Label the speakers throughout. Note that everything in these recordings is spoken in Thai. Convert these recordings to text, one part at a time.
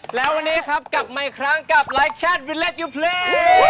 Speaker 1: แล้ววันนี้ครับกลับมาอีกครั้งกับ Like Cat Will Let You Play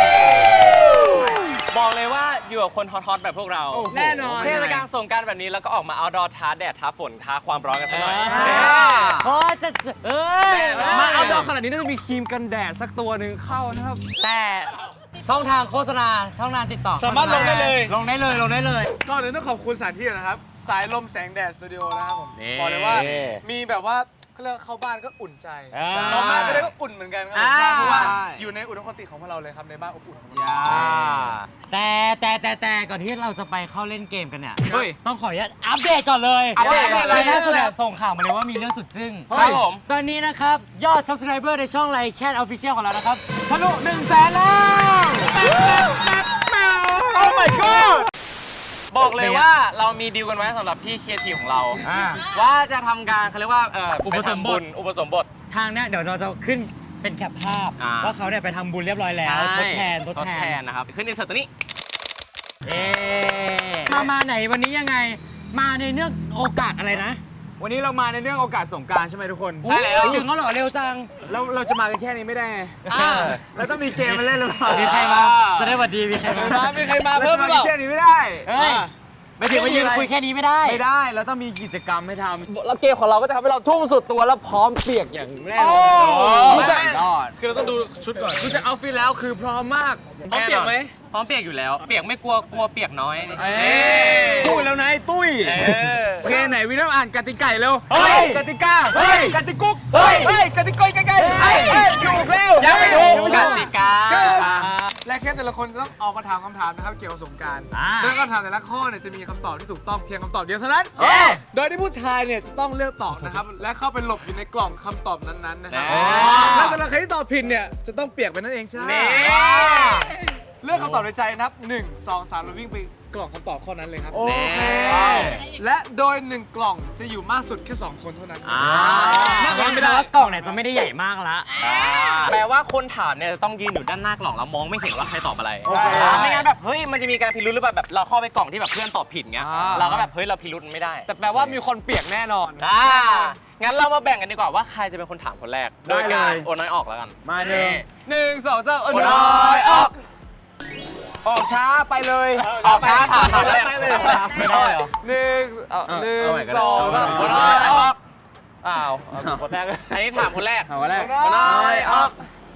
Speaker 1: บอกเลยว่าอยู่กับคนฮอตๆแบบพวกเรา
Speaker 2: แน่นอน
Speaker 1: เทศกาลสงกรานต์แบบนี้แล้วก็ออกมา outdoor ท้าแดดท้าฝนท้าความร้อนกันสักหน่อย
Speaker 2: พอจะมาเอาดอกขนาดนี้น่าจะมีครีมกันแดดสักตัวหนึ่งเข้านะครับ
Speaker 3: แต่ช่องทางโฆษณาช่องทางติดต่อ
Speaker 1: สามารถลงได้เลย
Speaker 3: ลงได้เลย
Speaker 2: ก่อนอื่นต้องขอบคุณสถานที่นะครับสายลมแสงแดดสตูดิโอนะครับผมบอกเลยว่ามีแบบว่าเขาเรียกเข้าบ้านก็อุ่นใจออกมาก็ได้ก็อุ่นเหมือนกันครับเพราะว่าอยู่ในอุดมคติของพวกเราเลยครับในบ้านอบอุ่นของเรา
Speaker 3: แต่ก่อนที่เราจะไปเข้าเล่นเกมกันเนี่ยต้องขออนุญาตอัปเดตก่อนเลย
Speaker 2: อัปเดตอะไร
Speaker 3: ล่าสุดส่งข่าวมาเลยว่ามีเรื่องสุดจึ้ง
Speaker 1: ครับผม
Speaker 3: ตอนนี้นะครับยอด subscriber ในช่อง Like Cat Official ของเรานะครับทะลุ 100,000 แล้ว
Speaker 1: โอ้ my god บอกเลยว่าเรามีดีลกันไว้สำหรับพี่ครีเอทีฟของเราว่าจะทำการเขาเรียกว่าอุปสมบท
Speaker 3: ทางเนี้ยเดี๋ยวเราจะขึ้นเป็นแคปภาพว่าเขาเนี่ยไปทำบุญเรียบร้อยแล้วทดแทน
Speaker 1: นะครับขึ้นในเสิร์ตตัวนี้
Speaker 3: มาไหนวันนี้ยังไงมาในเนื่องโอกาสอะไรนะ
Speaker 2: วันนี้เรามาในเรื่องโอกาสสงกรานต์ใช่ไหมทุกคน
Speaker 3: ใช่แล้วถึงเขาหล่อเร็วจัง
Speaker 2: เราจะมากันแค่นี้ไม่ได้เราต้องมีเกมมาเล่นหรือเปล่า
Speaker 3: มีใครมาจะได้หวัดดีมีใคร
Speaker 2: มาเพิ่มหรือเปล่าแค่นี้ไม่ได้
Speaker 3: ไม่ถึงมายืนคุยแค่นี้ไม่ได้
Speaker 2: เราต้องมีกิจกรรมให้ทำ
Speaker 1: แล้วเกมของเราก็จะทำให้เราทุ่มสุดตัวแล้วพร้อมเปียกอย่างแน่นอน
Speaker 2: คือเราต้องดูชุดก่อนดูจากเอาท์ฟิตแล้วคือพร้อมมากพร้อมเปียกไหม
Speaker 1: พร้อมเปียกอยู่แล้วเปียกไม่กลัวเปียกน้อย
Speaker 2: ตุ้ยแล้วนะตุ้ยโอเคไหนวินต้องอ่านกติกาเร็วกติกากติกุ๊กกติกอยใกล้ๆถูกแล้ว
Speaker 1: ยังไม่ถูกกติกา
Speaker 2: และแค่แต่ละคนต้องออกมาถามคำถามนะครับเกี่ยวกับสงกรานต์โดยคำถามแต่ละข้อเนี่ยจะมีคำตอบที่ถูกต้องเพียงคำตอบเดียวเท่านั้นโดยที่ผู้ชายเนี่ยจะต้องเลือกตอบนะครับและเข้าไปหลบอยู่ในกล่องคำตอบนั้นๆนะครับแล้วแต่ละใครที่ตอบผิดเนี่ยจะต้องเปียกไปนั่นเองใช่เลือกคำตอบในใจนับ1 2 3แล้ววิ่งไปกล่องคำตอบข้อนั้นเลยครับและโดย1กล่องจะอยู่มากสุดแค่2คนเท่านั้น
Speaker 3: ไม่ได้ว่ากล่องเนี่ยจะไม่ได้ใหญ่มากละ
Speaker 1: แปลว่าคนถามเนี่ยจะต้องยืนอยู่ด้านหน้ากล่องแล้วมองไม่เห็นว่าใครตอบอะไรไม่งั้นแบบเฮ้ยมันจะมีการพิรุธหรือแบบเราเข้าไปกล่องที่แบบเพื่อนตอบผิดเงี้ยเราก็แบบเฮ้ยเราพิรุธไม่ได้
Speaker 2: แต่แปลว่ามีคนเปียกแน่นอน
Speaker 1: งั้นเรามาแบ่งกันดีกว่าว่าใครจะเป็นคนถามคนแรกโดยการโอนน้อยออกแล้วกัน
Speaker 2: มา1 2 3โอน
Speaker 1: น้อยออกช้าไปเลยออกช้าถามแรก
Speaker 3: ไม่ได้เหรอ
Speaker 2: 1 2
Speaker 1: โอนน้อยออกคนแรกอันนี้ถามคนแรกน้อยออก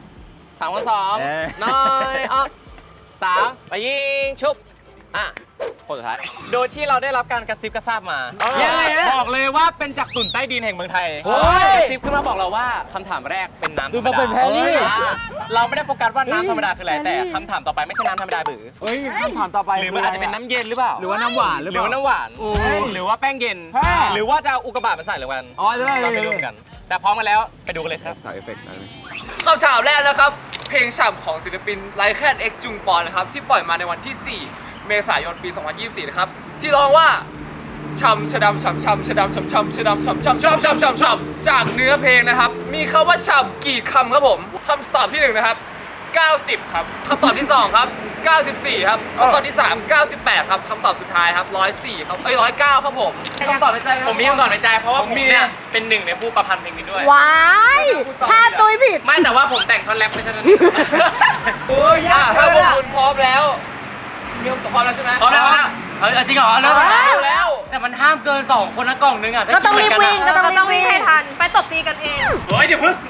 Speaker 1: 3 คน2น้อยออก3ไปยิงชุบคนสุดท้ายโดยที่เราได้รับการกระซิบกระซาบมาบอกเลยว่าเป็นจากตุ่นใต้ดินแห่งเมืองไทยกระซิบขึ้นมาบอกเราว่าคำถามแรกเป็นน้ำธรรมดาเราไม่ได้โฟกัสว่าน้ำธรรมดาคืออะไรแต่คำถามต่อไปไม่ใช่น้ำธรรมดาหรือ
Speaker 2: คำถามต่อไป
Speaker 1: หรือมันอาจจะเป็นน้ำเย็นหรือเปล่า
Speaker 2: หรือว่าน้ำหวานหรือว่า
Speaker 1: น้ำหวานหรือว่าแป้งเย็นหรือว่าจะเอาอุกกาบาตมาใส่หรือวันเราไปดูกันแต่พร้อมกันแล้วไปดูกันเลยครับ
Speaker 2: คำถามแรกนะครับเพลงฉ่ำของศิลปินไลแคนเอ็กจุงปอนนะครับที่ปล่อยมาในวันที่4เมษายนปี 2024 นะครับที่ร้องว่าช่ำชะดำช่ำช่ำชะดำช่ำช่ำชะดำช่ำช่ำช่ำช่ำช่ำช่ำจากเนื้อเพลงนะครับมีคำว่าช่ำกี่คำครับผมคำตอบที่1นะครับ90ครับคำตอบที่2ครับ94ครับคำตอบที่3 98ครับคำตอบสุดท้ายครับ104ครับ109ครับผมคำตอบในใจ
Speaker 1: ผมมีคำตอบในใจเพราะว่าผมเนี่ยเป็นหนึ่งในผู้ประพันธ์เพลงนี้ด้วย
Speaker 4: ว้ายถ้าตุ้ยผิด
Speaker 1: ไม่แต่ว่าผมแต่งท่อนแรปไม่ใช่ท่อน
Speaker 2: ถ้าพวกคุณพร้อมแล้วพร้อมแล้วใช่ไหม
Speaker 1: พร้อมแล้ว
Speaker 3: จริงเหรอเริ่มแล้วแต่มันห้ามเกิน2คนนะกล่องนึง
Speaker 4: ก็ต้องรีบวิ่งก็ต้องวิ่งให้ทันไปตบตีกันเอง
Speaker 1: เฮ้ยเดี๋ยวพึ่ง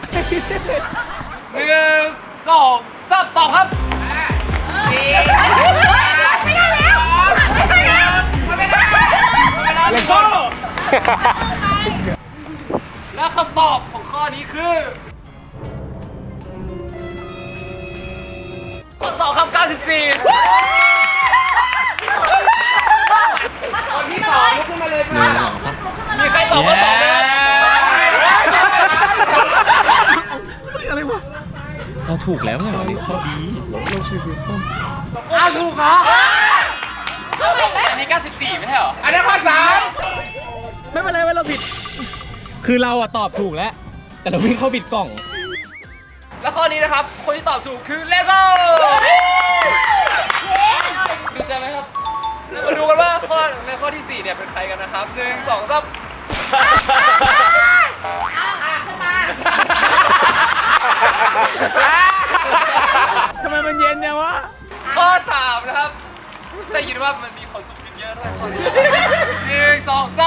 Speaker 2: 1 2 3ตอบครับ
Speaker 4: ไม่ได้แล้ว
Speaker 2: ไม่ได้และคำตอบของข้อนี้คือข้อ2ครับ94คนที่2ลุกขึ้นมาเลยครับมีใครตอบว่า2ไหมครับอะไรวะ
Speaker 3: เราถูกแล้วเนี่ยข้อดี
Speaker 2: เราถูกข้อถูกเหรอ
Speaker 1: อันนี้94ไม่ใช่เหรอ
Speaker 2: อันนี้ข้อ3ไม่เป็นไรเราผิด
Speaker 3: คือเราตอบถูกแล้วแต่เราวิ่งเข้าผิดกล่อง
Speaker 2: แล้วข้อนี้นะครับคนที่ตอบถูกคือเลโก้ดีใจไหมครับมาดูกันว่าในข้อที่4เนี่ยเป็นใครกันนะครับ1 2 3 ได้ยินว่ามันมีคนซุบซิบเยอะด้วยคนหนึ่งสองสาม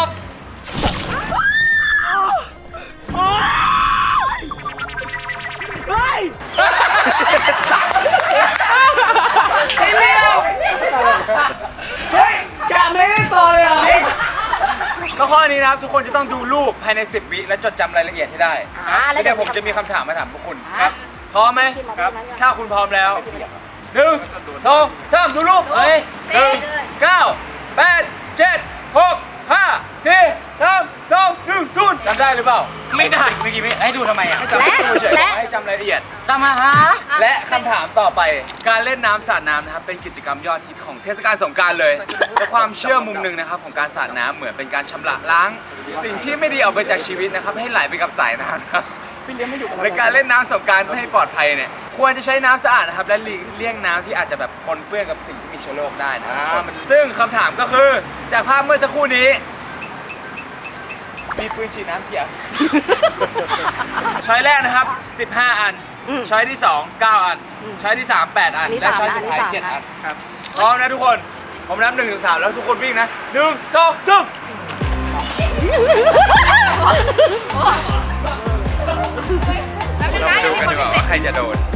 Speaker 2: แล้วข้อนี้นะครับทุกคนจะต้องดูรูปภายใน 10 วิและจดจำรายละเอียดให้ได้แล้วเดี๋ยวผมจะมีคำถามมาถามพวกคุณครับพร้อมไหมครับถ้าคุณพร้อมแล้ว1 2 3ดูรูปเฮ้ย1 9 8 7 6 5 4 3 2 1 0จำได้หรือเปล่าไม่ได้เมื่อกี้ไม่ให้ดูทำไมอ่ะให้จำเฉยๆให้จำรายละเอียด
Speaker 3: จำมาฮะ
Speaker 2: และคำถามต่อไปการเล่นน้ำสาดน้ำนะครับเป็นกิจกรรมยอดฮิตของเทศกาลสงกรานต์เลยและความเชื่อมุมหนึ่งนะครับของการสาดน้ำเหมือนเป็นการชำระล้าง สิ่งที่ไม่ดีออกไปจากชีวิตนะครับให้ไหลไปกับสายน้ำนะครับในการเล่นน้ำสงกรานต์ให้ปลอดภัยเนี่ยควรจะใช้น้ำสะอาดนะครับและหลีกเลี่ยงน้ำที่อาจจะแบบปนเปื้อนกับสิ่งที่มีเชื้อโรคได้นะครับซึ่งคำถามก็คือจากภาพเมื่อสักครู่นี้มีปืนฉีดน้ำเกี่ยวช้อยแรกนะครับ15 อันช้อยที่2 9 อันช้อยที่3 8 อันและช้อยสุดท้าย7 อันครับพร้อมนะทุกคนผมนับ1 ถึง 3แล้วทุกคนวิ่งนะ1 2 3เรามาดูกันดีกว่าว่าใครจะโดน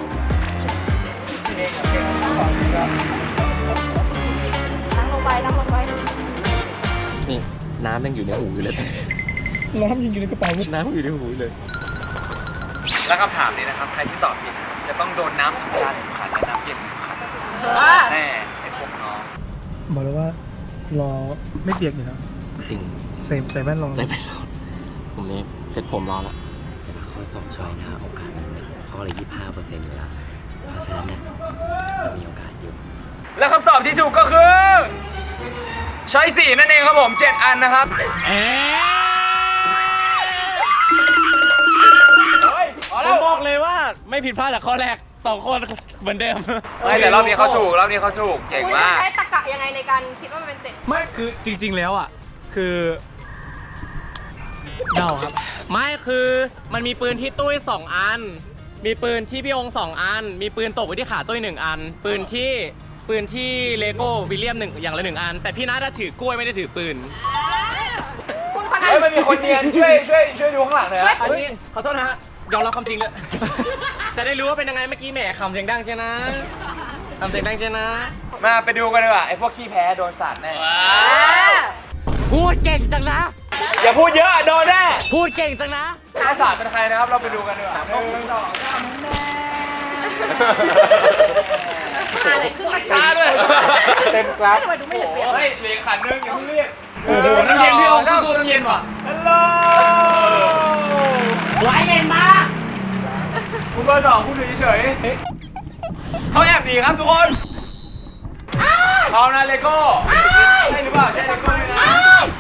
Speaker 4: นั่งลงไป
Speaker 1: นี่น้ำยังอยู่ในหูอยู่เลยน้ำยังอยู่ในกระเป๋าน้ำอยู่ในหูเลย
Speaker 2: แล้วคำถามนี้นะครับใครที่ตอบผิดจะต้องโดนน้ำธรรมดา1 ขันและน้ำเย็น1 ขันแน่ไอ้พวกน้อง
Speaker 5: บอกเลยว่ารอไม่เปียกอยู่แล้ว
Speaker 1: จริง
Speaker 5: ใส่แว่นรอ
Speaker 1: ใส่ไปรอผมนี่เซ็ตผมรอแล้ว
Speaker 6: ข้อ2ช้อยนะโอกาสข้อละ25%อยู่แล้วเพราะฉะนั้นเนี่ยจะมีโอกาสอยู่
Speaker 2: และคำตอบที่ถูกก็คือใช้4นั่นเองครับผม7 อันนะครับ
Speaker 1: ผมบอกเลยว่าไม่ผิดพลาดจากข้อแรก2 คนเหมือนเดิม
Speaker 2: ไม่แต่รอบนี้เขาถูกเก่งมาก
Speaker 4: ใช้ตรรกะยังไงในการคิดว่ามันเป็น7
Speaker 3: ไม่คือจริงๆแล้วอ่ะคือเดาครับ
Speaker 1: ไม่คือมันมีปืนที่ตุ้ย2 อัน มีปืนที่พี่องค์2 อัน มีปืนตกไว้ที่ขาตุ้ย1 อัน ปืนที่เลโก้วิลเลียม1อย่างละ1 อัน แต่พี่นัทถือกล้วยไม่ได้ถือปืน
Speaker 4: คุณคนนั้น
Speaker 2: เฮ้ยมันมีคนเนียนช่วยดูข้างหลังหน่อยนะ
Speaker 1: อันนี้ขอโทษนะฮะยอมรับความจริงเลย จะได้รู้ว่าเป็นยังไงเมื่อกี้แหมคำเสียงดังใช่นะคำเสียงดังใช่นะ
Speaker 2: มาไปดูกันดีกว่าไอ้พวกขี้แพ้โดนสาดแน่
Speaker 3: พูดเก่งจังนะ
Speaker 2: อย่าพูดเยอะโดนแน่
Speaker 3: พูดเก่งจังนะ
Speaker 2: ถ้าสาดเป็นใครนะครับเราไปดูกันดีกว่า1 2
Speaker 4: อะไรขึ้นมา
Speaker 2: ช้าด้วยเต็มกราฟ
Speaker 4: ทำไมดูไม่เห็นเปลี่ยน
Speaker 2: เฮ้ยเหลือขันนึงอย่าเพิ่งเรียกโอ้โหน้ำเย็นพี่องค์สู้น้ำเย็นว่ะฮัลโหล
Speaker 3: ไหวเย็นมาก
Speaker 2: คุณเบอร์ 2คุณอยู่เฉยๆเขาแอบหนีครับทุกคนพร้อมนะเลโก้ใช่หรือเปล่าใช่เลโก้ด้วยนะ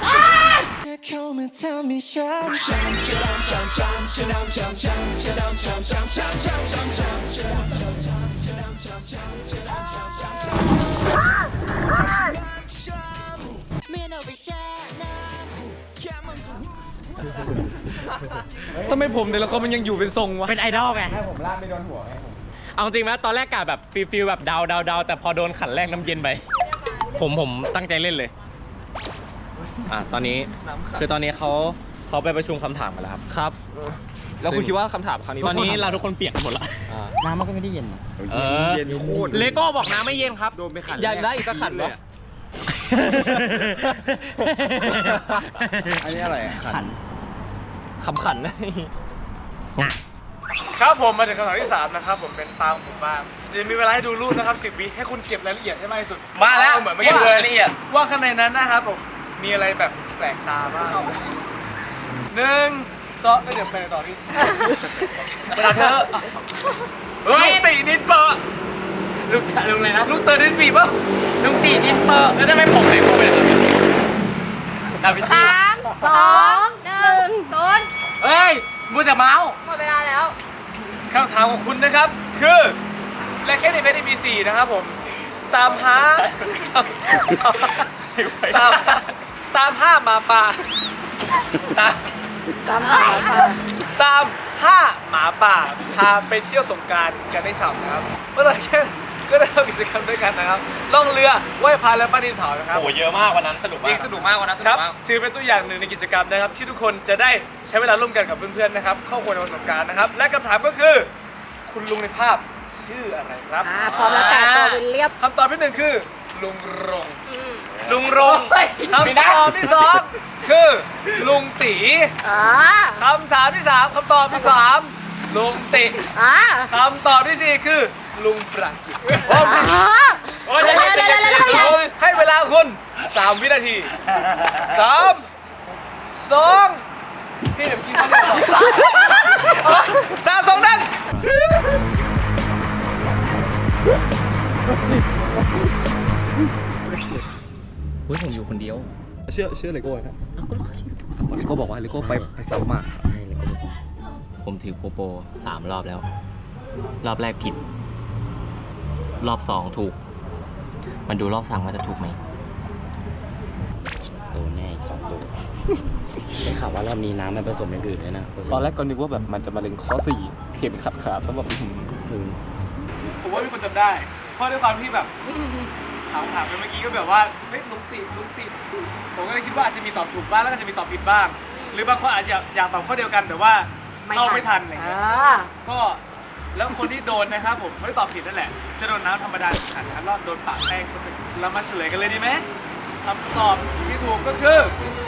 Speaker 2: ทำไมผมแต่ละคนมันยังอยู่เป็นทรงวะ
Speaker 3: เป็นไอดอลไง
Speaker 2: ให้ผมลาดไม่โดนหัวไง
Speaker 1: เอาจริงไหมตอนแรกกะแบบฟิลแบบเดาแต่พอโดนขันแรกน้ำเย็นไปผมตั้งใจเล่นเลยตอนนี้คือตอนนี้เขาไปประชุมคำถามกันแล้วครับครับ แล้วคุณคิดว่าคำถามครั้งนี้ตอนนี้เราทุกคนเปียกกันหมดละ
Speaker 3: น้ำมันก็ไม่ได้เย็นนะ
Speaker 2: เย็นโคตร
Speaker 1: เลโก้บอกน้ำไม่เย็นครับ
Speaker 2: โดนไปขัน
Speaker 1: อยากได้อีกสักขันเลย
Speaker 2: อันนี้อะไรขัน
Speaker 1: ขำขันนะ
Speaker 2: ครับผมมาถึงคำถามที่ 3 นะครับผมเป็นตามผมบ้างจะมีเวลาให้ดูรูปนะครับ10 วิให้คุณเก็บรายละเอียดให้มากที่สุดมาแล้วเหมือนเมื่อกี้รายละเอียดว่าข้างในนั้นนะครับผมมีอะไรแบบแปลกตาบ้าง1 2ก็เดี๋ยวไปต่อที่เวลาเธอลูกตีนิดเปอร์
Speaker 1: ลุงอะไรนะ
Speaker 2: ลูกเตอร์นิดปีป่ะ
Speaker 1: ลุงตีดินเปอร์แล้วทำไมผมเลยพูดไปเลยดาวินชี
Speaker 4: 3 2 1 0
Speaker 1: เฮ้ยมูแต่เมาส์
Speaker 4: หมดเวลาแล้ว
Speaker 2: คำถามของคุณนะครับคือและแค่ในเพจมี4นะครับผมตามหาหาหมาป่าตามหาหมาป่าพาไปเที่ยวสงกรานต์กันได้ฉ่ำนะครับเมื่อไหร่แค่ก็ได้ทำกิจกรรมด้วยกันนะครับล่องเรือไหว้พระและปั้นดินเผานะครับ
Speaker 1: โอ้เยอะมากวันนั้นสนุก
Speaker 2: จ
Speaker 1: มา
Speaker 2: ริ
Speaker 1: ก
Speaker 2: งสนุกมากวันนั้นสนุกมากถือเป็นตัวอย่างหนึ่งในกิจกรรมนะครับที่ทุกคนจะได้ใช้เวลาร่วมกันกับเพื่อนๆนะครับครอบครัวในวันสงกรานต์นะครับและคำถามก็คือ คุณลุงในภาพชื่ออะไรครับ
Speaker 4: พร้อมแล้วแต่ตัววิลเลียม
Speaker 2: คำตอบที่หนึ่งคือลุงรง
Speaker 1: ลุงรงค์
Speaker 2: คำตอบที่สองคือลุงตี คำถามที่ 3คำตอบที่ 3 ลุงติคำตอบที่ 4 คือลุงประกิตโอ้ยให้เวลาคุณ 3 วินาที 3 2 พี่เดี๋ยวกินข้าวเหนียว3 2 1
Speaker 6: เฮ้ยผมอยู่คนเดียว
Speaker 2: เชื่อเลโก้ครับเลโก้บอกว่าเลโก้ไปซ้ำมา
Speaker 6: ใช่เลยผมถือโปโป3 รอบแล้ว รอบแรกผิด รอบ 2 ถูก มันดูรอบ3ว่าจะถูกไหมโดนแน่อีก2 ตัวได้ข่าวว่ารอบนี้น้ำมันผสมอย่างอื่นเลยนะ
Speaker 2: ตอนแรกก็นึกว่าแบบมันจะมาเล็งข้อ4เห็นขาดแล้วแบบ ผมว่ามีคนจำได้ เพราะด้วยความที่แบบถามไปเมื่อกี้ก็แบบว่าเฮ้ยลุงติผมก็เลยคิดว่าอาจจะมีตอบถูกบ้างแล้วก็จะมีตอบผิดบ้าง หรือบางคนอาจจะอยากตอบข้อเดียวกันแต่ว่าเข้าไม่ทันอะไรเงี้ยก็แล้วคนที่โดนนะครับผมไม่ได้ตอบผิดนั่นแหละ จะโดนน้ำธรรมดาขันคันรอดโดนปะแป้งสักหนึ่งเรามาเฉลยกันเลยดีไหมคำตอบที่ถูกก็คือ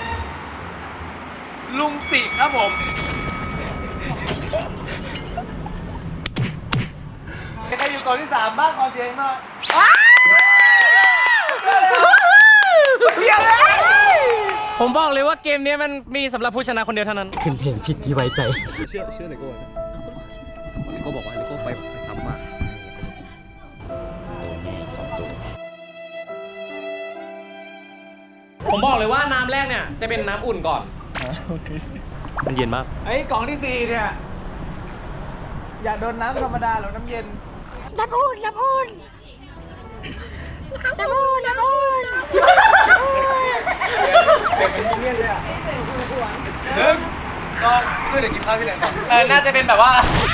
Speaker 2: ลุงติครับผมใครอยู่ก่อนที่ 3 บ้างขอเสียงหน่อยเดียวเลย
Speaker 1: ผมบอกเลยว่าเกมนี้มันมีสำหรับผู้ชนะคนเดียวเท่านั้น
Speaker 6: ขึ้นเพลงผิดที่ไว้ใจ
Speaker 2: เชื่อเลโก้นะเลโก้บอกว่าเลโก้ไปซ้ำมา
Speaker 6: โดนแน่อีก2 ตัว
Speaker 1: ผมบอกเลยว่าน้ำแรกเนี่ยจะเป็นน้ำอุ่นก่อน
Speaker 5: โอเค
Speaker 1: มันเย็นมาก
Speaker 2: ไอ้กล่องที่ 4 เนี่ย อยากโดนน้ำธรรมดาหรือน้ำเย็น
Speaker 4: น้ำอุ่น
Speaker 2: เด็กเป็นมิเนียนเลยอ่ะ1 2เดี๋ยวกินข้าวที่ไหนก่อน
Speaker 1: น่าจะเป็นแบบว่า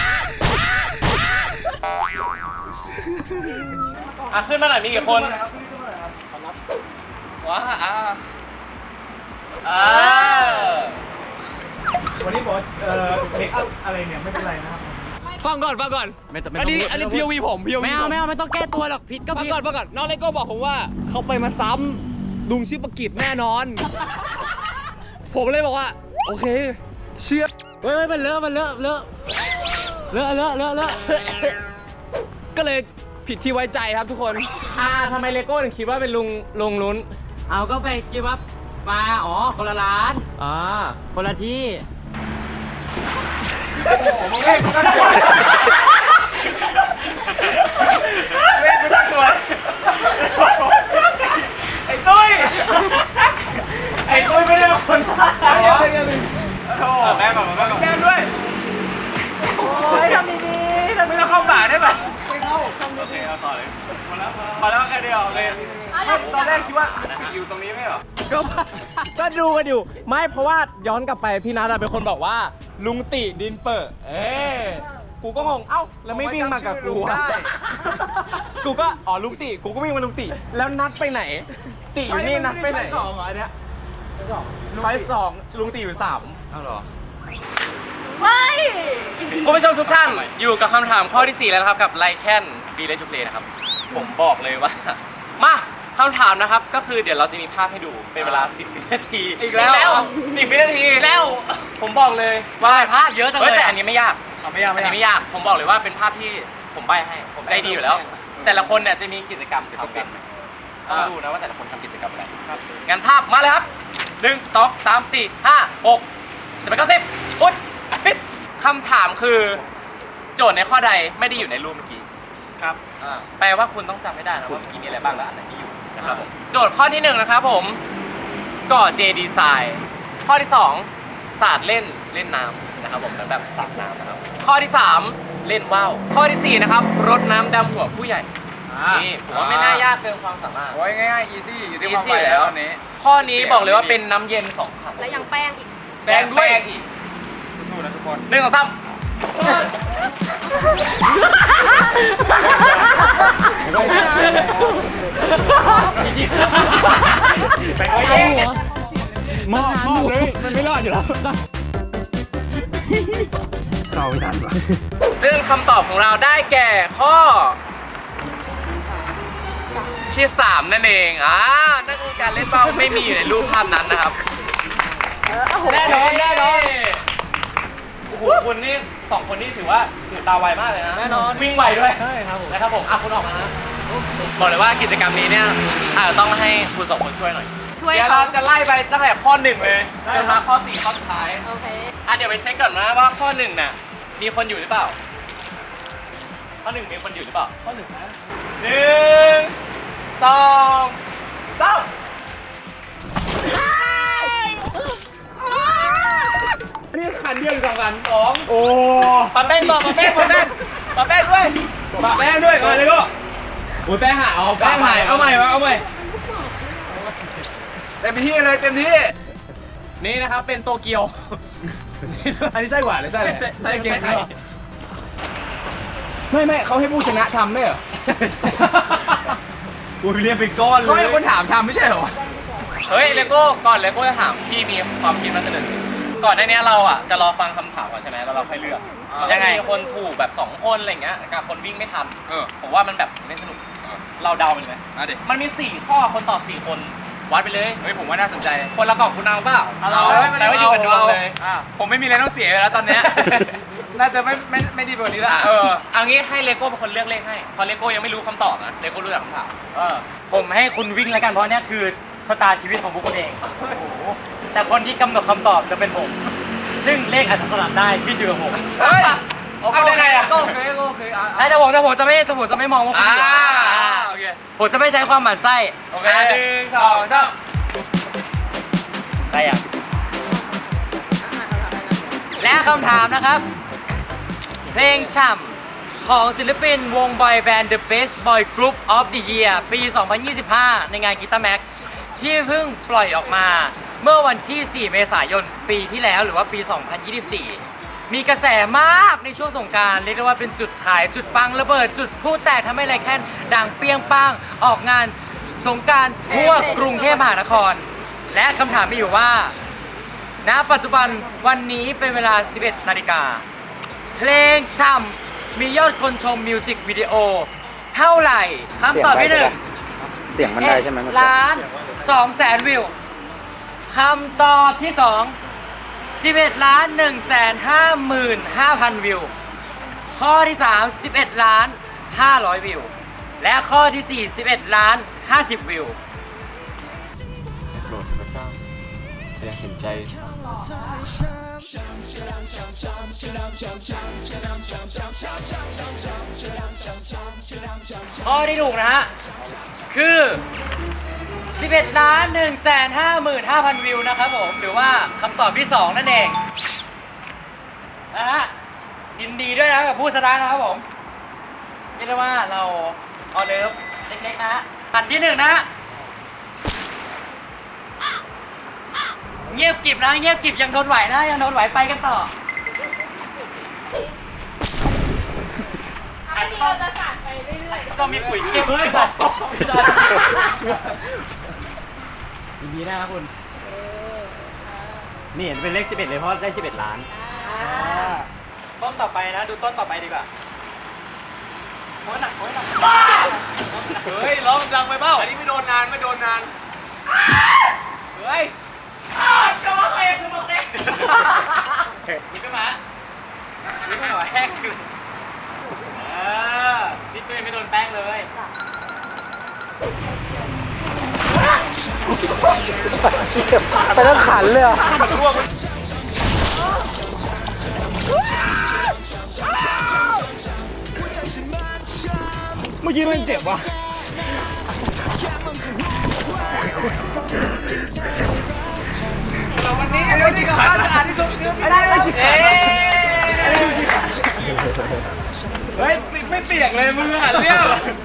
Speaker 1: ขึ้นมาหน่อยมีกี่คน
Speaker 2: ว้า
Speaker 5: วันนี้บอกเมคอัพอะไรเนี่ยไม่เป็นไรนะครับ
Speaker 2: ฟังก่อน อันนี้ POV ผม POV
Speaker 3: ไม่เอาไม่ต้องแก้ตัวหรอกผิดก็
Speaker 2: ฟัง
Speaker 3: ผิด
Speaker 2: ก่อนน้องเลโก้บอกผมว่าเขาไปมาซ้ำลุงชื่อประกิตแน่นอน ผมเลยบอกว่า โอเค เชื่อ
Speaker 3: เฮ้ยมันเลอะ
Speaker 2: ก็เลยผิดที่ไว้ใจครับทุกคน
Speaker 1: ทำไมเลโก้ถึงคิดว่าเป็นลุงลุ้น
Speaker 3: เอาก็ไปคิดว่ามาคนละร้านคนละที่
Speaker 1: ไอ้ตุ้ยไม่ได้เป็นคนแม่ก่อนแม่ด้วย
Speaker 4: โอ้ยทำดีๆ
Speaker 1: ไม่ต้องเข้าป่าได้ไหมไม่เข้าโอเคเอาต่อเลยพอแล้วแค่เดียวเลยตอนแรกคิดว่าอยู่ตรงนี้ไม่เหรอก็ดูกันอยู่ไม่เพราะว่าย้อนกลับไปพี่นัทเป็นคนบอกว่าลุงติดินเปิดกูก็งงแล้วไม่วิ่งมากับกูกูก็ลุงติกูก็วิ่งมาลุงติแล้วนัดไปไหนติอยู่นี่นัดไปไหน2เหรอเนี่ยช้อย2ลุงติอยู่3เอาเหรอ
Speaker 4: ไม่
Speaker 1: คุณผู้ชมทุกท่านอยู่กับคำถามข้อที่ 4 แล้วนะครับกับไลแคนบีเลนจูเพลนะครับผมบอกเลยว่ามาคำถามนะครับก็คือเดี๋ยวเราจะมีภาพให้ดูเป็นเวลา10 วินาทีอีกแล้ว10 วินาทีแล้วผมบอกเลยว่าภาพเยอะจังเลยแต่อันนี้ไม่ยากอันนี้ไม่ยากผมบอกเลยว่าเป็นภาพที่ผมใบ้ให้ผมใจดีอยู่แล้ว แต่ละคนเนี่ยจะมีกิจกรรมทำกันต้องดูนะว่าแต่ละคนทำกิจกรรมอะไรงั้นภาพมาเลยครับ1 2 3 4 5 6 จะเป็น90ปุ๊บปิดคำถามคือโจทย์ในข้อใดไม่ได้อยู่ในรูปเมื่อกี้ครับแปลว่าคุณต้องจำให้ได้นะว่าเมื่อกี้มีอะไรบ้างและอันไหนที่อยู่นะครับผมโจทย์ข้อที่1นะครับผมก่อเจดีไซน์ข้อที่2ศาสตร์เล่นน้ำนะครับผมแบบสาดน้ำนะครับข้อที่3เล่นว่าวข้อที่4นะครับรดน้ำดำหัวผู้ใหญ่นี่ผมว่าไม่น่ายากเกินความสามารถ
Speaker 2: โอ้ยง่ายๆ easy อยู่ที่ความไวแล้วนี้
Speaker 1: ข้อนี้บอกเลยว่าเป็นน้ำเย็น2 ถัง
Speaker 4: แล้วยังแป้งอีก
Speaker 1: แป้งด้วยอีก
Speaker 2: สู้นะทุกคน
Speaker 1: 1 2 3
Speaker 5: ไปเอาเองมอบเลยมันไม่รอดอยู่แล้วเราไม่ทันวะ
Speaker 1: ซึ่งคำตอบของเราได้แก่ข้อที่3นั่นเองนั่นคือการเล่นเป้าไม่มีอยู่ในรูปภาพนั้นนะครับแน่นอนโอ้โหคุณนี่2คนนี่ถือว่าตาไวมากเลยนะแน่นอนวิ่งไวด้วยใช่ครับผมนะครับผมคุณออกมานะบอกเลยว่ากิจกรรมนี้เนี่ยอาจจะต้องให้คุณ2คนช่วยหน่อย
Speaker 4: ช่วย
Speaker 1: เดี๋ยว
Speaker 4: เขา
Speaker 1: เราจะไล่ไปตั้งแต่ข้อ1เลยจนมาข้อ4ข้อสุดท้าย
Speaker 4: โอเค
Speaker 1: เดี๋ยวไปเช็คก่อนนะว่าข้อ1น่ะมีคนอยู่หรือเปล่าข้อ1มีคนอยู่หรือเปล่าข้อ1นะ1 2 3
Speaker 5: นี่คันเดียวหรือ2คัน
Speaker 1: 2
Speaker 5: โอ้
Speaker 1: ปะแป้งต่อปะแป้งด้วย
Speaker 5: ปะแป้งด้วยมาเลยก็โอ้แป้งหายแป้งหายเอาใหม่เต็มที่เลยเต็มที่
Speaker 1: นี่นะครับเป็นโตเกียว
Speaker 5: อันนี้ไส้หวานหรือไส้อะไร
Speaker 1: ไส้เกงไข่
Speaker 5: ไม่เขาให้ผู้ชนะทำได้เหรอ
Speaker 1: อุ้ยเรียกเป็นก้อนเลย
Speaker 5: เขาให้คนถามทำไม่ใช่เหรอ
Speaker 1: เฮ้ยเลโก้ก่อนเลโก้จะถามพี่มีความคิดมาเสนอก่อนหน้านี้เราจะรอฟังคำถามก่อนใช่ไหมแล้วเราค่อยเลือกยังไงมีคนถูกแบบ2คนอะไรเงี้ยกับคนวิ่งไม่ทันผมว่ามันแบบไม่สนุกเราเดาไปเลยไหมมันมี4ข้อคนตอบ4คนวัดไปเลย
Speaker 5: เฮ้ยผมว่าน่าสนใจ
Speaker 1: คนละกล่องคุณเอาเปล่า
Speaker 5: เอา
Speaker 1: แต่ว่าอยู่กับดวงเลย
Speaker 5: ผมไม่มีอะไรต้องเสียแล้วตอนเนี้ย น่าจะไม่ดีกว่านี้ละ
Speaker 1: เอางี้ให้เลโก้เป็นคนเลือกเลขให้เพราะเลโก้ยังไม่รู้คำตอบนะเลโก้รู้แต่คำถาม
Speaker 3: ผมให้คุณวิ่งแล้วกันเพราะเนี่ยคือชะตาชีวิตของพวกคุณเอง แต่คนที่กำหนดคำตอบจะเป็นผม ซึ่งเลขอาจจะสลับได้ขึ้นอยู่กับผม
Speaker 1: เฮ้ยเอาได้ไงอ่ะ
Speaker 2: ก็โอเค
Speaker 3: แต่ผมจะไม่มองว่าคุณเดียว
Speaker 1: โอเค
Speaker 3: ผมจะไม่ใช้ความหมั่นไส้
Speaker 1: โอเค1 2 3
Speaker 3: ได้ยังและคำถามนะครับ เพลงฉ่ำของศิลปินวงบอยแบนด์ The Best Boy Group of the Year ปี 2025 ในงานกีตาร์แม็กที่เพิ่งปล่อยออกมาเมื่อวันที่ 4 เมษายนปีที่แล้วหรือว่าปี 2024 มีกระแสมากในช่วงสงกรานต์เรียกได้ว่าเป็นจุดขายจุดปังระเบิด จุดพลุแตกทำให้ไรแค่นดังเปรี้ยงปังออกงานสงกรานต์ทั่วกรุงเทพมหานคร และคำถามมีอยู่ว่า ณ ปัจจุบันวันนี้เป็นเวลา 11 นาฬิกา เพลงฉ่ำมียอดคนชมมิวสิกวิดีโอเท่าไหร่คำตอบที่1
Speaker 5: เสียงมันได้ใช่ไหม
Speaker 3: ล้าน2แสนวิวคำตอบที่ 2 11 ล้าน1แสน55,000 วิว ข้อที่ 3 11 ล้าน500 วิว และข้อที่ 4 11 ล้าน50 วิว
Speaker 6: โปรดพระเจ้าอย่าเห็นใจ
Speaker 3: ข้อที่ถูกนะฮะ คือ 11 ล้าน1แสน55,000 วิวนะครับผม หรือว่าคำตอบที่ 2 นั่นเองนะฮะยินดีด้วยนะกับผู้ชนะนะครับผมเรียกได้ว่าเราออเดิร์ฟเล็กๆนะฮะอันที่ 1 นะฮะ เงียบกริบนะ เงียบกริบยังทนไหวนะ ยังทนไหวไปกันต่อ
Speaker 4: อันนี้เราจะสานไปเรื่อยๆ
Speaker 3: ต้องมีปุ๋ยเก็บด้วยดีนะครับคุณ นี่เห็นเป็นเลข 11 เลยเพราะได้ 11 ล้าน ต้นต่อไปนะ ดูต้นต่อไปดีกว่าโอ้ยหนักโอ้ยหนัก
Speaker 2: เฮ้ยร้องดังไปเปล่าอันนี้ไม่โดนนานเฮ้ย
Speaker 1: จะมาเตะจะมาเตะ
Speaker 3: นี่ก็มานี่ก็มาแหกถึงนี่ตัวเองไม่โดนแป้งเลย
Speaker 5: ไปแล้วขันเลยอ่ะเมื่อกี้มันเจ็บว่ะ
Speaker 2: วันนี้กับบ้านจะอ่านที่สุดไม่ได้เลย
Speaker 5: เฮ้ยไม่เปียกเลยมึงอ่ะเนี่ย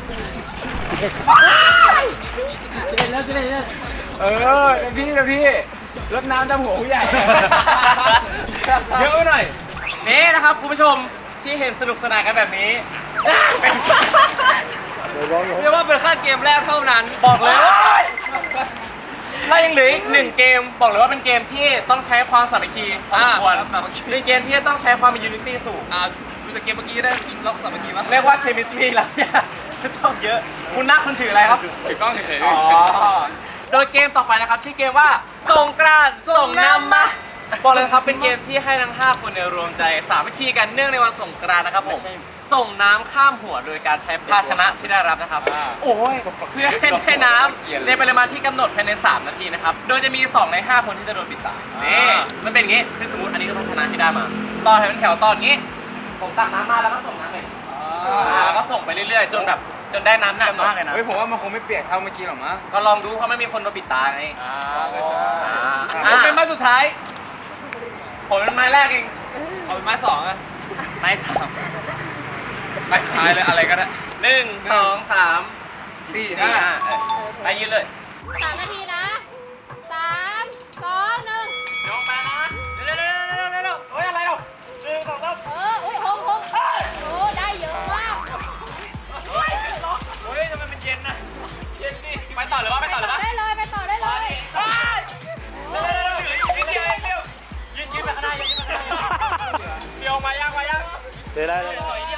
Speaker 5: เต็มที่รดน้ำดำหัวผู้ใหญ่เยอะหน่อย
Speaker 1: นี่นะครับคุณผู้ชมที่เห็นสนุกสนานกันแบบนี้
Speaker 2: เรียกว่าเป็นแค่เกมแรกเท่านั้น
Speaker 1: บอกเลยว่าถ้ายังเหลืออีก1เกมบอกเลยว่าเป็นเกมที่ต้องใช้ความสามัคคีพอสมควรเป็นเกมที่ต้องใช้ความมียูนิตี้สูง
Speaker 2: ดูจากเกมเมื่อกี้ได้ล็อกสามัคคีป่ะ
Speaker 1: เรียกว่าเคมิสตรีแล้วเนี่ยต้องเยอะคุณนักคุณถืออะไรครับ
Speaker 2: ถือกล้องเฉย
Speaker 1: อ๋อโดยเกมต่อไปนะครับชื่อเกมว่าสงกรานต์ส่งน้ำมาบอกเลยครับเป็นเกมที่ให้ทั้ง5คนเนี่ยรวมใจสามัคคีกันเนื่องในวันสงกรานต์นะครับผมส่งน้ำข้ามหัวโดยการใช้ภาชนะที่ได้รับนะครับโอ้ยเพื่อให้ได้น้ำในปริมาณที่กำหนดภายใน3นาทีนะครับโดยจะมี2ใน5คนที่จะโดนปิดตานี่มันเป็นอย่างงี้คือสมมติอันนี้คือภาชนะที่ได้มาต่อให้เป็นแถวต่ออย่างงี้ผมตักน้ำมาแล้วก็ส่งน้ำไปแล้วก็ส่งไปเรื่อยๆจนแบบจนได้น้ำหนักมากเลยนะ
Speaker 5: เฮ้ยผมว่ามันคงไม่เปียกเท่าเมื่อกี้หรอกมั้ง
Speaker 1: ก็ลองดูเพราะไม่มีคนโดนปิดตาไง
Speaker 2: ผมเป็นไม้สุดท้าย
Speaker 1: ผมเป็นไม้แรกเอง
Speaker 2: เอาเป็นไม้2อ่ะ
Speaker 1: ไม้3
Speaker 2: ไม้สุดท้ายเลยอะไรก็ได้
Speaker 1: 1 2 3 4 5ไปยืนเลย
Speaker 4: 3 นาทีนะ 3 2 1
Speaker 1: ลงไปนะเร็วโอ้ยอะไรอ่ะ1 2 3
Speaker 4: อุ้ยหงโอ้ได้เยอะมาก
Speaker 1: โอ้ยทำไมมันเย็นนะเย็นดิไปต่อหรือว่าไม่ต่อหรือว่า
Speaker 4: ได้เลยไปต่อได้เลย
Speaker 1: เร็วยืนไปข้างหน้ายืนไปข้างหน้าเดี๋ยวมายังเดี๋ยวได้เลยโอ้ย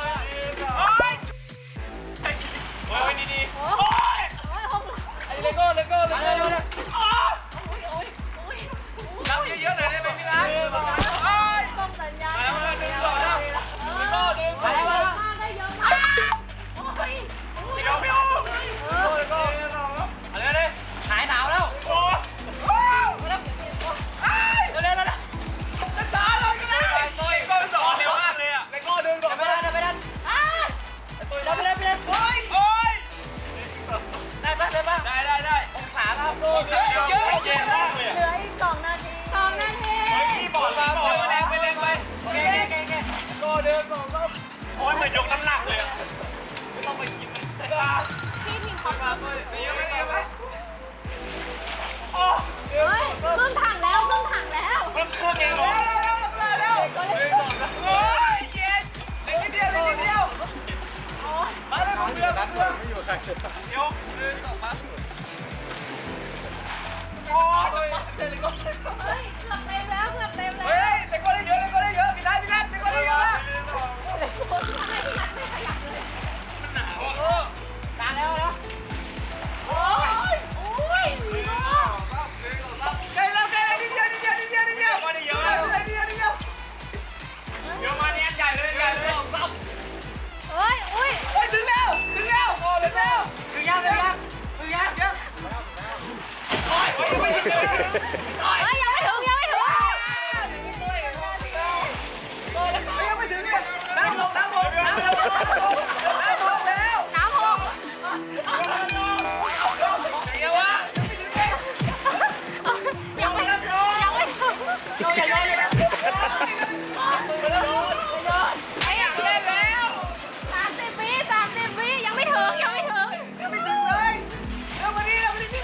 Speaker 1: ดีๆ
Speaker 4: โอ้ยหง
Speaker 2: เลโก้
Speaker 1: น้ำเยอะๆเลยได้ไหมพี่นัท
Speaker 4: ต้องสัญญาณ
Speaker 1: ดึงก่อนแล้ว
Speaker 4: ได้เยอะมากได้เยอะมากโอ้ย
Speaker 1: เดี๋ยวอะไรเนี่ยหายหนาวแล้วโอ้เร็วมากเลยอ่ะ
Speaker 2: เลโก้ดึงก่อน
Speaker 1: ไปดันได้องศาครับโดนเยอะเย็นมากเลย
Speaker 4: เหลืออีก2 นาที 2 นาที
Speaker 1: พี่บอกแล้วแรงไปโก้เดิน2 รอบโอ้ยเหมือนยกน้ำหนักเลยอ่ะไม่ต้องไปกิน
Speaker 4: พี่ทีมเขาทำ
Speaker 1: เยอะไหมโอ้
Speaker 4: เฮ้ยครึ่งถังแล้วครึ่งถังแล้ว
Speaker 1: เพิ่มเครื่องเองเหรอโอ้ยเย็นเล็กนิดเดียวมาเลยผมเดือดไม่อยู่ใครยก1 2 3โอ้ย
Speaker 4: เฮ้ยเกือบเต็มแล้วเกือบเต็มแล้ว
Speaker 1: เฮ้ยเลโก้ได้เยอะพี่นัทเลโก้ได้เยอะ
Speaker 4: คนทำไมพี่นัทไม่ขยับเลย
Speaker 1: มันหนาว
Speaker 4: ตาแล้วนะโอ้ยอุ้ย
Speaker 1: ใกล้แล้วนิดเดียวมาได้เยอะเดี๋ยวมาเนี่ยใหญ่เลย
Speaker 4: เฮ้ยอุ้ย
Speaker 1: ถึงแล้วโอ้เร็วถึงยัง
Speaker 4: เฮ้ยยังไม่ถึง
Speaker 1: ยังไม่ถึงเนี่ยน้ำลงแล้ว
Speaker 4: น้ำหก
Speaker 1: เดี๋ยววะ
Speaker 4: ยังไม่ถึงไอ้ยังเล่นแล้ว30 วิยังไม่ถึง
Speaker 1: เลยเร็วมานี่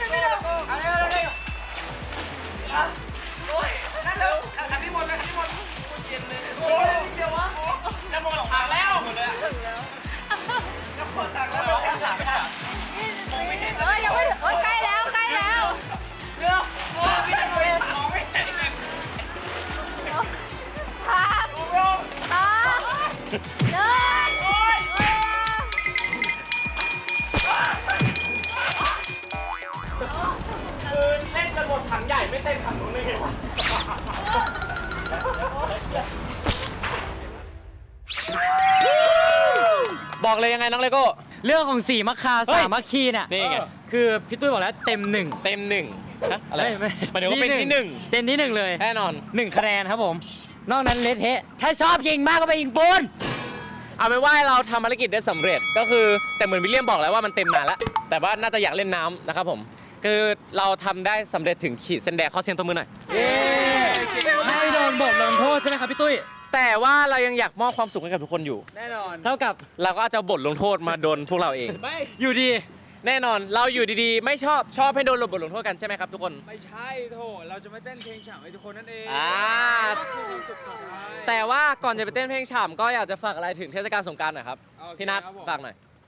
Speaker 1: โอ้ยนั่นเร็วอันนี้หมดเย็นเลยโอ้ยนิดเดียววะจะหมดถังแล้วหมดเลยจะหมดถังแล้วไม่ได้
Speaker 4: ยังไม่ถึงใกล้แล้ว
Speaker 1: เร็วโอ้ยพี่จะมองไม่เห็นเลย
Speaker 4: ครับ1
Speaker 1: เล่นจนหมดถังใหญ่ไม่เต็มถังนู้นเลยบอกเลยยังไงน้องเลโก้
Speaker 3: เรื่องของ4 มัคคา
Speaker 1: เฮ้ย
Speaker 3: 3 มัคคีเนี่ย
Speaker 1: นี่ไง
Speaker 3: คือพี่ตุ้ยบอกแล้วเต็ม 1
Speaker 1: เต็ม1ฮะอะไร
Speaker 3: ไม่
Speaker 1: หมายถึงว่าเป็นที่
Speaker 3: เต็มที่ 1 เลย
Speaker 1: 1แน่นอน
Speaker 3: 1 คะแนนครับผม นอกนั้นเละเทะถ้าชอบยิงมากก็ไปยิงปูน
Speaker 1: เอาเป็นว่าเราทำภารกิจได้สำเร็จก็คือแต่เหมือนวิลเลียมบอกแล้วว่ามันเต็มนานแล้วแต่ว่าน่าจะอยากเล่นน้ำนะครับผมคือเราทำได้สำเร็จถึงขีดเส้นแดงขอเสียงตบมือหน่อย
Speaker 3: ไม่โดนบทลงโทษใช่ไหมครับพี่ตุ้ย
Speaker 1: แต่ว่าเรายังอยากมอบความสุขให้กับทุกคนอยู่
Speaker 5: แน่นอน
Speaker 3: เท่ากับ
Speaker 1: เราก็จะบทลงโทษมาโดนพวกเราเอง
Speaker 5: ไม่
Speaker 3: อยู่ดี
Speaker 1: แน่นอนเราอยู่ดีๆ ไม่ชอบให้โดนบทลงโทษกันใช่ไหมครับทุกคน
Speaker 5: ไม่ใช่โถเราจะไม่เต้นเพลงฉ่ำให้ทุกคนนั่นเอง ก็คือความสุขของเรา
Speaker 1: แต่ว่าก่อนจะไปเต้นเพลงฉ่ำก็อยากจะฝากอะไรถึงเทศกาลสงกรานต์หน่อยครับ
Speaker 5: โอเค
Speaker 1: พี่นัท
Speaker 5: ครับผม
Speaker 1: ฝากหน่อย